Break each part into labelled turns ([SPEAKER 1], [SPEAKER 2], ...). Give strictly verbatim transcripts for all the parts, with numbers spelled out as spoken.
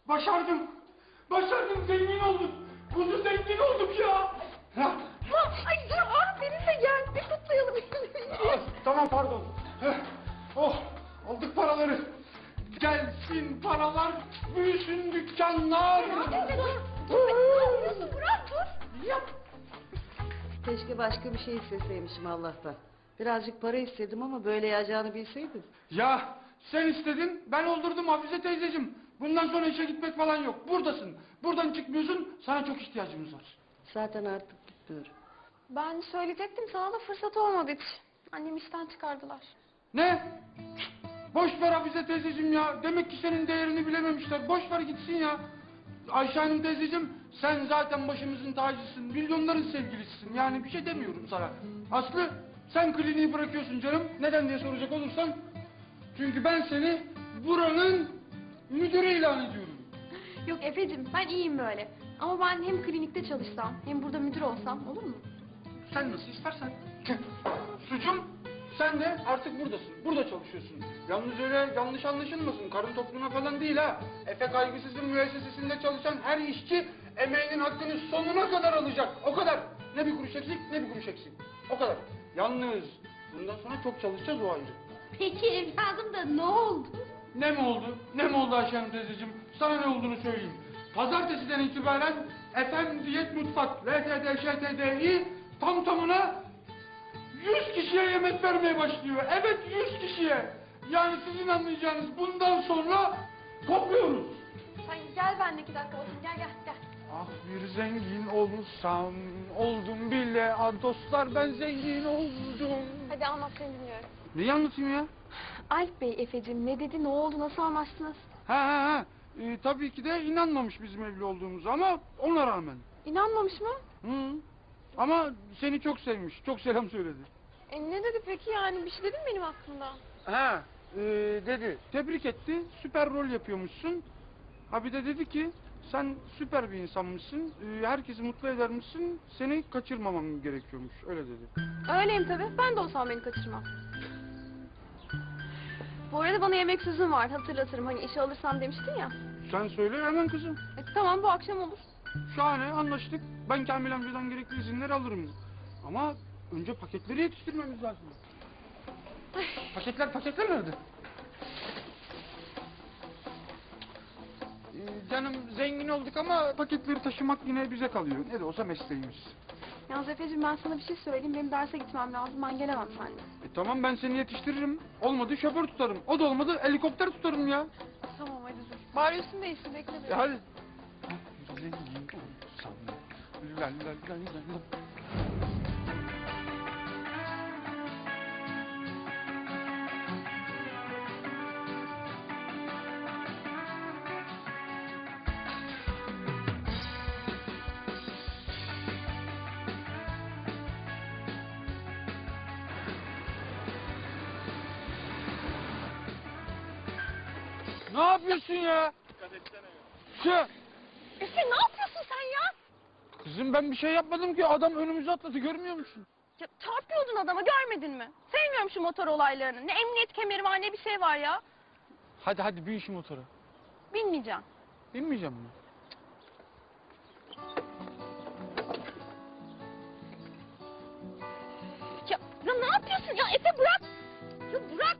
[SPEAKER 1] Başardım. Başardım, zengin oldum. Kuzu zengin olduk ya. Ha.
[SPEAKER 2] Ha, ay dur ah benimle gel bir kutlayalım.
[SPEAKER 1] Ah, tamam pardon. Heh. Oh, aldık paraları. Gelsin paralar, büyüsün dükkanlar.
[SPEAKER 2] Dur dur. Dur ne yapıyorsun Burak dur.
[SPEAKER 1] Yap.
[SPEAKER 3] Keşke başka bir şey isteseymişim Allah'tan. Birazcık para istedim ama böyle yağacağını bilseydim.
[SPEAKER 1] Ya sen istedin, ben oldurdum Hafize teyzeciğim. Bundan sonra işe gitmek falan yok. Buradasın. Buradan çıkmıyorsun. Sana çok ihtiyacımız var.
[SPEAKER 3] Zaten artık gitmiyorum.
[SPEAKER 2] Ben söyleyecektim sana da fırsat olmadı hiç. Annem işten çıkardılar.
[SPEAKER 1] Ne? Boş ver Hafize teyzeciğim ya. Demek ki senin değerini bilememişler. Boş ver gitsin ya. Ayşe Hanım teyzeciğim, sen zaten başımızın tacısın. Milyonların sevgilisisin. Yani bir şey demiyorum sana. Aslı, sen kliniği bırakıyorsun canım. Neden diye soracak olursan. Çünkü ben seni buranın müdürü ilan ediyorum.
[SPEAKER 2] Yok Efe'cim ben iyiyim böyle. Ama ben hem klinikte çalışsam hem burada müdür olsam olur mu?
[SPEAKER 1] Sen nasıl istersen. Sucum, sen de artık buradasın. Burada çalışıyorsun. Yalnız öyle yanlış anlaşılmasın. Karın topluma falan değil ha. Efe Kaygısız'ın müessesesinde çalışan her işçi emeğinin hakkını sonuna kadar alacak. O kadar. Ne bir kuruş eksik, ne bir kuruş eksik. O kadar. Yalnız bundan sonra çok çalışacağız, o ayrı.
[SPEAKER 2] Peki evladım da ne oldu?
[SPEAKER 1] Ne mi oldu? Ne mi oldu Ayşe Hanım teyzeciğim? Sana ne olduğunu söyleyeyim. Pazartesiden itibaren Efem Diyet Mutfak, L T D, Ş T D İ tam tamına yüz kişiye yemek vermeye başlıyor. Evet, yüz kişiye. Yani sizin anlayacağınız bundan sonra topluyoruz.
[SPEAKER 2] Sen gel benimle iki dakika bakayım gel gel gel.
[SPEAKER 1] Ah bir zengin olsam, oldum bile. Ah dostlar, ben zengin oldum.
[SPEAKER 2] Hadi anlat seni dinliyorum.
[SPEAKER 1] Neyi anlatayım ya?
[SPEAKER 2] Alp Bey Efe'cim ne dedi ne oldu nasıl anlaştınız?
[SPEAKER 1] Ha ha ha. Ee, tabii ki de inanmamış bizim evli olduğumuza ama ona rağmen.
[SPEAKER 2] İnanmamış mı?
[SPEAKER 1] Hı. Ama seni çok sevmiş. Çok selam söyledi.
[SPEAKER 2] E ne dedi peki yani bir şey dedi mi benim hakkımda?
[SPEAKER 1] Ha, e, dedi. Tebrik etti. Süper rol yapıyormuşsun. Ha bir de dedi ki sen süper bir insanmışsın. E, herkesi mutlu edermişsin. Seni kaçırmamam gerekiyormuş. Öyle dedi.
[SPEAKER 2] Öyleyim tabii. Ben de olsam beni kaçırmam. Bu arada bana yemek sözüm var. Hatırlatırım. Hani işe alırsam demiştin ya.
[SPEAKER 1] Sen söyle hemen kızım.
[SPEAKER 2] E, tamam bu akşam olur.
[SPEAKER 1] Şahane, anlaştık. Ben Kamil amcadan gerekli izinleri alırım. Ama önce paketleri yetiştirmemiz lazım. Paketler, paketler nerede? Ee, canım zengin olduk ama paketleri taşımak yine bize kalıyor. Ne de olsa mesleğimiz.
[SPEAKER 2] Yalnız Efe'cim ben sana bir şey söyleyeyim. Benim derse gitmem lazım. Ben gelemem seninle.
[SPEAKER 1] E, tamam, ben seni yetiştiririm. Olmadı şoför tutarım. O da olmadı helikopter tutarım ya.
[SPEAKER 2] Tamam hadi dur. Bari üstünü değiştir. Bekle
[SPEAKER 1] E,
[SPEAKER 2] bir.
[SPEAKER 1] hadi. Zengin olsam. La la la la la. Ne yapıyorsun ya? Şu.
[SPEAKER 2] Efe ne yapıyorsun sen ya?
[SPEAKER 1] Kızım ben bir şey yapmadım ki. Adam önümüze atladı, görmüyor musun?
[SPEAKER 2] Ya çarpıyordun adama görmedin mi? Sevmiyorum şu motor olaylarını. Ne emniyet kemeri var ne bir şey var ya.
[SPEAKER 1] Hadi hadi bin şu motora.
[SPEAKER 2] Bilmeyeceğim.
[SPEAKER 1] Binmeyeceğim mi?
[SPEAKER 2] Ya, ya ne yapıyorsun ya Efe bırak. Ya bırak.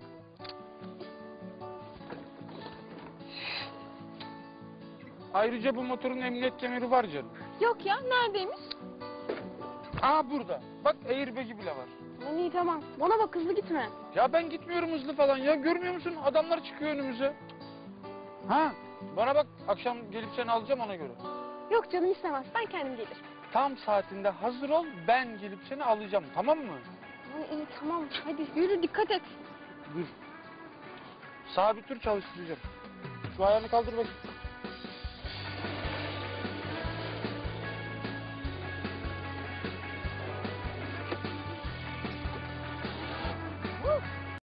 [SPEAKER 1] Ayrıca bu motorun emniyet kemeri var canım.
[SPEAKER 2] Yok ya neredeymiş?
[SPEAKER 1] Aa burada. Bak airbag'i bile var.
[SPEAKER 2] Lan iyi tamam. Bana bak hızlı gitme.
[SPEAKER 1] Ya ben gitmiyorum hızlı falan ya. Görmüyor musun? Adamlar çıkıyor önümüze. Ha, bana bak, akşam gelip seni alacağım ona göre.
[SPEAKER 2] Yok canım istemez. Ben kendim gelirim.
[SPEAKER 1] Tam saatinde hazır ol, ben gelip seni alacağım, tamam mı?
[SPEAKER 2] Lan iyi tamam. Hadi yürü dikkat et.
[SPEAKER 1] Dur. Sabit dur, çalıştıracağım. Şu ayağını kaldır bakayım.